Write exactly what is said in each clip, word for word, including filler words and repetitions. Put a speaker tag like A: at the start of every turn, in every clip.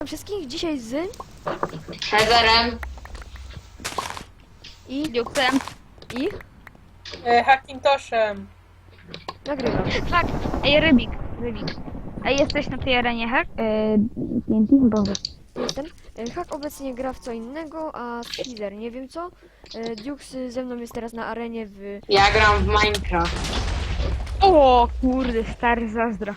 A: Wszystkich dzisiaj z
B: Heatherem
A: i
C: Duxem.
A: i
D: E, Hackintoszem.
A: nagrywam.
C: Tak, ej, Rybik, Rybik. Ej, jesteś na tej arenie hack? Eee, T N T? Boże.
A: Jestem. E, Hak obecnie gra w co innego, a Caesar nie wiem co. E, Dux ze mną jest teraz na arenie w...
B: Ja gram w Minecraft.
C: O kurde, stary zazdro.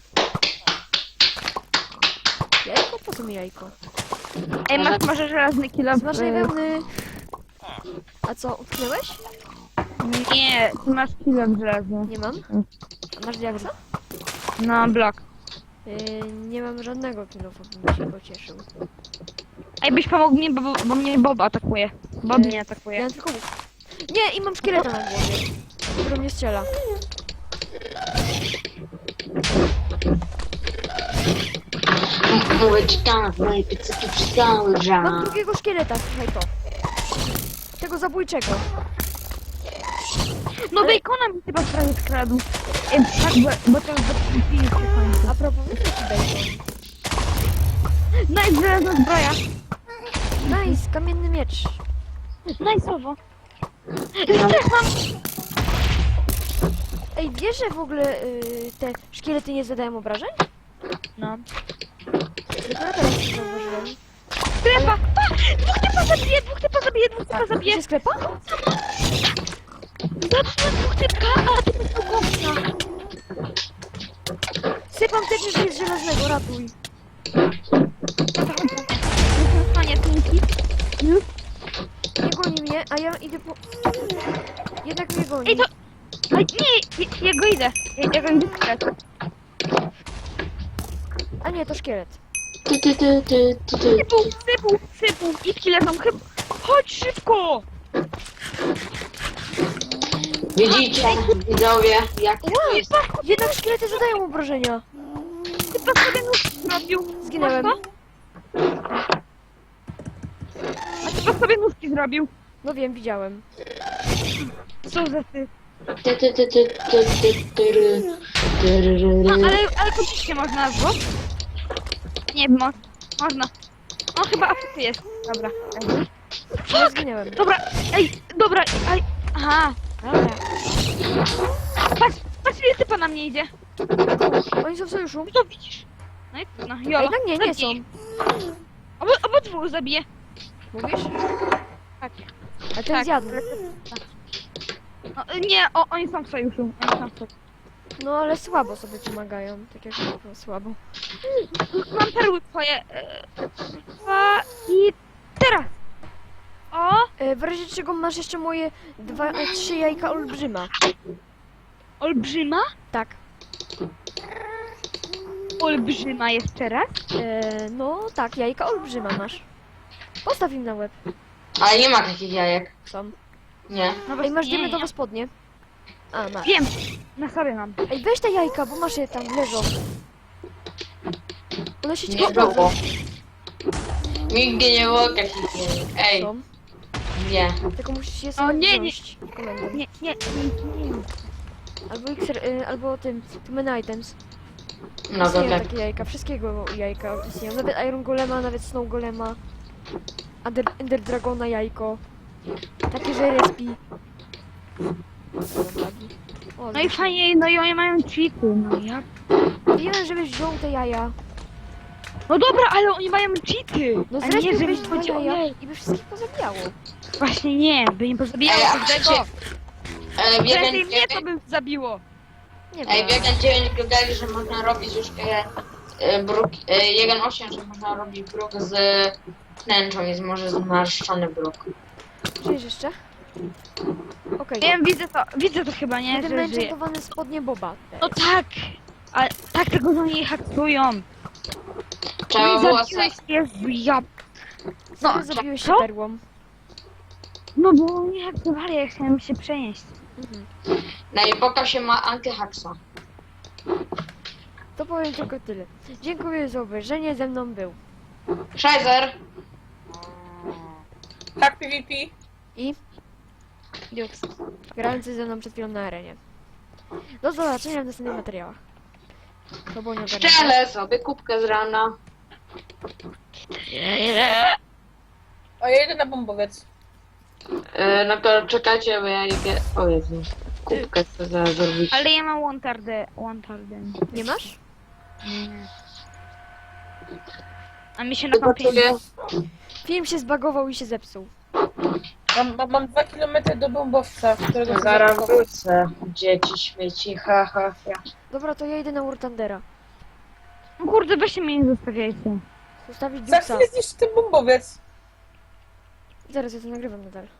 A: Jajko? Po co mi jajko?
C: Ej, masz może żelazny kilo?
A: Smacznej wełny. A co, utknęłeś?
C: Nie, ty masz kilo żelazny.
A: Nie mam. A masz diaksa?
C: No, blok.
A: E, nie mam żadnego kilofa, bym się pocieszył.
C: Ej, byś pomógł mi, bo, bo mnie Bob atakuje. Bob
A: Ej,
C: mnie
A: Ja
C: atakuje.
A: mam tylko łuk. Nie, i mam szkieleta na głowie, który mnie strzela.
B: Mówię ci tak, moje piecyki przystały
A: Mam
B: żal.
A: drugiego szkieleta, słuchaj to. Tego zabójczego.
C: No bacona mi chyba prawie skradł. Ej, tak, bo, bo to już zapiliście w końcu.
A: A propos, wiesz jaki bacon?
C: No i żelazna zbroja.
A: Nice, kamienny miecz.
C: Najsowo. Też mam.
A: Ej, wiesz, że w ogóle y, te szkielety nie zadają obrażeń?
C: No.
A: Dopiero teraz to zauważyłem.
C: Sklepa! A! Dwóch typa zabiję, dwóch typa zabiję, dwóch typa zabiję.
A: Gdzie sklepa?
C: Zabiję dwóch typka, a ty jest pokowna.
A: Sypam też z żelaznego, ratuj.
C: Panie Tinki.
A: Nie goni mnie, a ja idę po... Jednak mnie goni.
C: Ej, to... Ej, nie, ja, ja go idę. Ja, ja go idę skret.
A: A nie, to szkielet.
B: Ty, ty, ty, ty, ty, ty.
C: Sypu, sypu, sypu. I kile są chyba... Chodź szybko!
B: Widzicie, widzowie, jak to jest.
A: Jednak szkielety zadają obrażenia.
C: Typa sobie nóż zrobił.
A: Zginąłem.
C: Masz to? A typa sobie nóżki zrobił.
A: No wiem, widziałem.
C: Co za ty?
B: Ty, ty, ty, ty, ty, ty, ty, ty, ry, ry,
C: No,
B: ry.
C: ale, ale kupić nie można, bo? Nie, mo można. On chyba afrycy jest. Dobra. Ej.
A: Nie zginęłem.
C: Dobra, ej, dobra, ej. Aha, dobra. Patrz, patrz ile typa na mnie idzie.
A: Oni są w sojuszu.
C: No to widzisz. No i no,
A: A
C: jolo.
A: jednak nie, nie są.
C: Zabij. Obo, obydwu zabiję.
A: Mówisz?
C: Tak.
A: A ten
C: Tak.
A: zjadł.
C: No, nie, o, oni są w sojuszu. Oni są w sojuszu.
A: No ale słabo sobie pomagają. Tak jak no, słabo.
C: Mam perły twoje. e, Dwa i teraz. O,
A: E, w razie czego masz jeszcze moje dwa, e, trzy jajka olbrzyma.
C: olbrzyma.
A: Tak.
C: Olbrzyma jeszcze raz.
A: E, no tak, jajka olbrzyma masz. Postaw im na łeb.
B: Ale nie ma takich jajek.
A: Są.
B: Nie.
C: No
A: Ej,
C: właśnie,
A: masz
C: nie,
A: diamentowe
C: nie.
A: spodnie. A, masz.
C: Wiem, na sobie mam.
A: Ej, weź te jajka, bo masz je tam, leżą. One się
B: Nie
A: ciekawe
B: było. Nigdy nie było takich jajek. Ej,
A: są.
B: nie.
A: Tylko musisz je
C: O,
A: sobie
C: nie, nie.
A: wziąć komendą.
C: Nie, nie, nie, nie.
A: Albo Xer, y, albo tym, Human Items.
B: No to
A: Istnieją
B: tak.
A: takie jajka, wszystkiego jajka istnieją. Nawet Iron Golema, nawet Snow Golema. Ender, Ender Dragona jajko. Takie, że respi. O,
C: No i fajnie, no i oni mają cheaty, no ja...
A: wiem, żebyś wziął te jaja.
C: No dobra, ale oni mają cheaty!
A: No
C: A nie,
A: zrespiłbyś
C: żeby
A: dwa
C: chodzi o
A: jaja
C: jej.
A: i by wszystkich pozabijało.
C: Właśnie nie, by nie pozabijało
B: Ej, a
C: każdego.
B: chcecie- Ale
C: Prędzej
B: biegam
C: mnie to by zabiło.
A: Nie
B: Ej,
A: wiem.
B: biegam dziewięć gadali, że można robić już e, e, bruk, e, jeden osiem, że można robić bruk z tęczą, jest może zmarszczony bruk.
A: Żyjesz jeszcze? Okej.
C: Wiem, widzę to, widzę to chyba, nie,
A: Będę
C: że żyje.
A: enchantowany spodnie Boba.
C: No tak, ale tak tego za nie haktują.
B: Trzeba
C: No i
B: było
C: zabiłeś,
B: se...
C: Jezu, ja...
A: No,
C: No,
A: zabiłeś się
C: co?
A: perłą.
C: No bo nie haktowali, ja chciałem się przenieść.
A: Mhm.
B: Na epoka się ma antyhaksa.
A: To powiem tylko tyle. Dziękuję za obejrzenie, ze mną był.
B: Scheiser!
D: Hack PvP.
A: I Dux, grający ze mną przed chwilą na arenie. Do zobaczenia w następnych materiałach. To było nie ogarnięte.
B: Szczelę sobie kubkę z rana.
D: O, ja jedę na bombowiec.
B: E, no to czekajcie, bo ja idę... O Jezu. Kubkę chcę zaraz zrobić.
C: Ale ja mam Wantardę. Wantarden.
A: Nie masz?
C: Nie. A mi się na kampie...
B: Gotuję.
A: Film się zbagował i się zepsuł.
D: Mam, mam, mam dwa kilometry do bombowca, którego chcę
B: Zaraz
D: zaatakować.
B: wrócę. Dzieci, śmieci, ha, ha, ha.
A: Dobra, to ja idę na Urtandera.
C: No kurde, weźcie mnie nie zostawiajcie.
A: Zostawić
D: Za
A: Duxa.
D: chwilę zniszczy ten bombowiec.
A: Zaraz ja to nagrywam nadal.